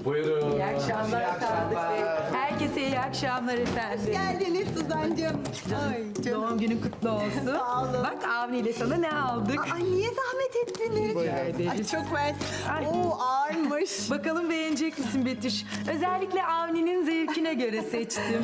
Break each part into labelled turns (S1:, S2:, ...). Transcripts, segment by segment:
S1: Buyurun.
S2: İyi akşamlar Sadık Bey. Herkese iyi akşamlar efendim.
S3: Geldiniz Suzan'cığım. Ay canım.
S2: Doğum günün kutlu olsun.
S3: Sağ olun.
S2: Bak Avni ile sana ne aldık?
S3: Ay niye zahmet ettiniz? Ay çok mersi.
S2: Ay.
S3: Oo ağırmış.
S2: Bakalım beğenecek misin Betüş? Özellikle Avni'nin zevkine göre seçtim.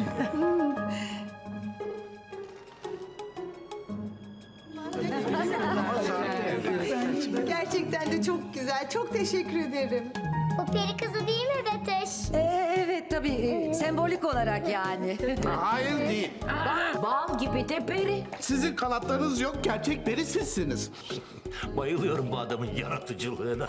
S3: Gerçekten de çok güzel. Çok teşekkür ederim.
S4: O peri kızı değil mi Beteş?
S5: Evet tabii sembolik olarak yani.
S6: Hayır değil.
S5: Bal gibi de peri.
S6: Sizin kanatlarınız yok, gerçek peri sizsiniz.
S7: Bayılıyorum bu adamın yaratıcılığına.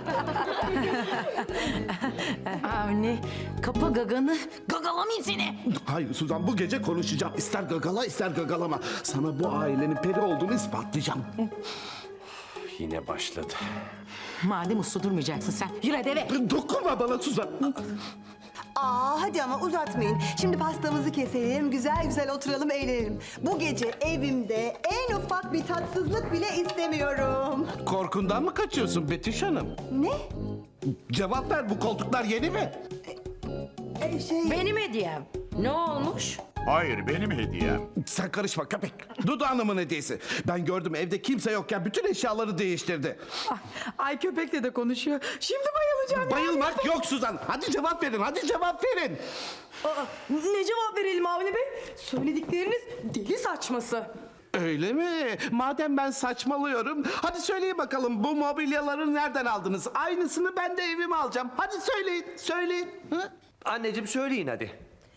S5: Avni kapa gaganı, gagalamayayım seni.
S6: Hayır Suzan, bu gece konuşacağım. İster gagala, ister gagalama. Sana bu ailenin peri olduğunu ispatlayacağım.
S7: Yine başladı.
S5: Madem uslu durmayacaksın sen, yürü hadi eve.
S6: Dokunma bana Suzan.
S3: Hadi ama uzatmayın. Şimdi pastamızı keselim, güzel güzel oturalım, eğlenelim. Bu gece evimde en ufak bir tatsızlık bile istemiyorum.
S6: Korkundan mı kaçıyorsun Betüş Hanım?
S3: Ne?
S6: Cevap ver, bu koltuklar yeni mi?
S5: Benim hediyem. Ne olmuş?
S8: Hayır, benim hediyem.
S6: Sen karışma köpek. Dudu Hanım'ın hediyesi. Ben gördüm, evde kimse yokken bütün eşyaları değiştirdi.
S2: Ay köpekle de konuşuyor. Şimdi bayılacağım.
S6: Bayılmak yok Suzan. Hadi cevap verin, hadi cevap verin.
S2: Ne cevap verelim Avni Bey? Söyledikleriniz deli saçması.
S6: Öyle mi? Madem ben saçmalıyorum, hadi söyleyin bakalım bu mobilyaları nereden aldınız? Aynısını ben de evime alacağım. Hadi söyleyin, söyleyin. Hı?
S7: Anneciğim söyleyin hadi.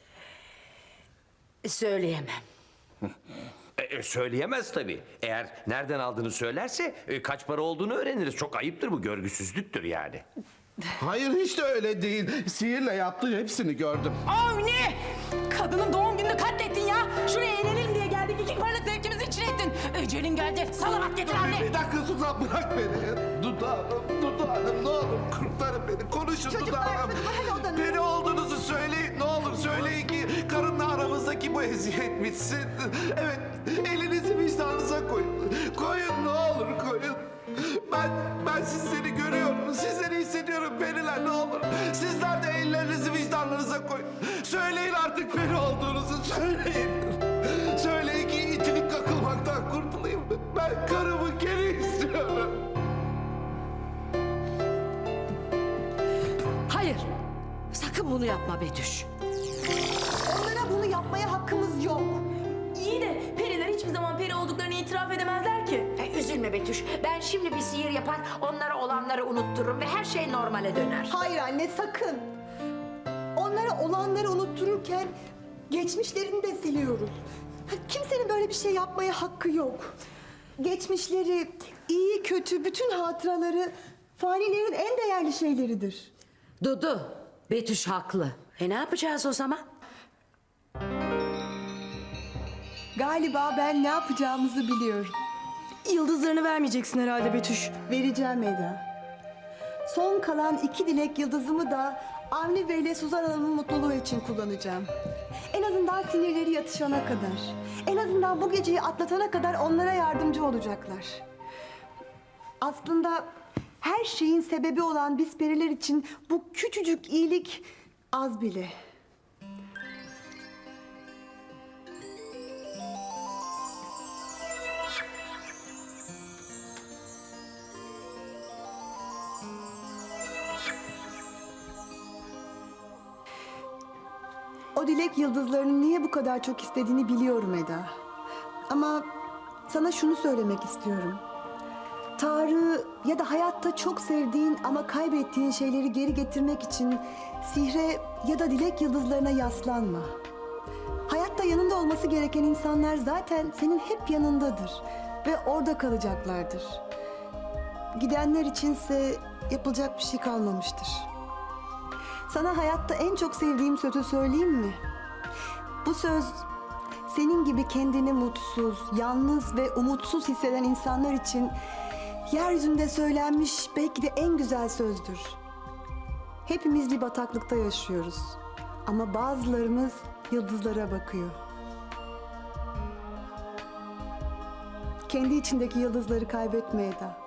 S5: Söyleyemem.
S7: Söyleyemez tabii. Eğer nereden aldığını söylerse kaç para olduğunu öğreniriz. Çok ayıptır bu, görgüsüzlüktür yani.
S6: Hayır hiç de öyle değil. Sihirle yaptığı hepsini gördüm.
S2: Avni! Kadının doğum gününü katlettin ya. Şuraya eğlenelim diye geldik. İki paralık zevkimizi içine ettin. Ecelin geldi. Salavat getir anne.
S6: Bir dakika Suzan, bırak beni. Dudu Hanım ne olur kurtarın beni. Konuşun Dudu
S3: Çocuklar,
S6: Hanım.
S3: hadi odanıza.
S6: Peri olduğunuzu söyleyin, ne olur söyleyin ki karımla aramızdaki bu eziyet bitsin. Evet, elinizi vicdanınıza koyun. Koyun ne olur koyun. Ben sizleri görüyorum, sizleri hissediyorum periler, ne olur. Sizler de ellerinizi vicdanlarınıza koyun. Söyleyin artık peri olduğunuzu, söyleyin. Söyleyin ki itilik kakılmaktan kurtulayım. Ben karımı geri istiyorum.
S5: Hayır. Sakın bunu yapma Betüş.
S3: Onlara bunu yapmaya hakkımız yok.
S9: İyi de periler hiçbir zaman peri olduklarını itiraf edemezler ki.
S5: Üzülme Betüş. Ben şimdi bir sihir yapar, onlara olanları unuttururum ve her şey normale döner.
S3: Hayır anne sakın. Onlara olanları unuttururken geçmişlerini de siliyoruz. Kimsenin böyle bir şey yapmaya hakkı yok. Geçmişleri, iyi kötü bütün hatıraları fanilerin en değerli şeyleridir.
S5: Dudu, Betüş haklı. Ne yapacağız o zaman?
S3: Galiba ben ne yapacağımızı biliyorum.
S9: Yıldızlarını vermeyeceksin herhalde Betüş.
S3: Vereceğim Eda. Son kalan 2 dilek yıldızımı da Avni Bey ile Suzan Hanım'ın mutluluğu için kullanacağım. En azından sinirleri yatışana kadar. En azından bu geceyi atlatana kadar onlara yardımcı olacaklar. Aslında her şeyin sebebi olan biz periler için bu küçücük iyilik az bile. O dilek yıldızlarının niye bu kadar çok istediğini biliyorum Eda. Ama sana şunu söylemek istiyorum. Tanrı ya da hayatta çok sevdiğin ama kaybettiğin şeyleri geri getirmek için sihre ya da dilek yıldızlarına yaslanma. Hayatta yanında olması gereken insanlar zaten senin hep yanındadır ve orada kalacaklardır. Gidenler içinse yapılacak bir şey kalmamıştır. Sana hayatta en çok sevdiğim sözü söyleyeyim mi? Bu söz senin gibi kendini mutsuz, yalnız ve umutsuz hisseden insanlar için yeryüzünde söylenmiş belki de en güzel sözdür. Hepimiz bir bataklıkta yaşıyoruz ama bazılarımız yıldızlara bakıyor. Kendi içindeki yıldızları kaybetme Eda.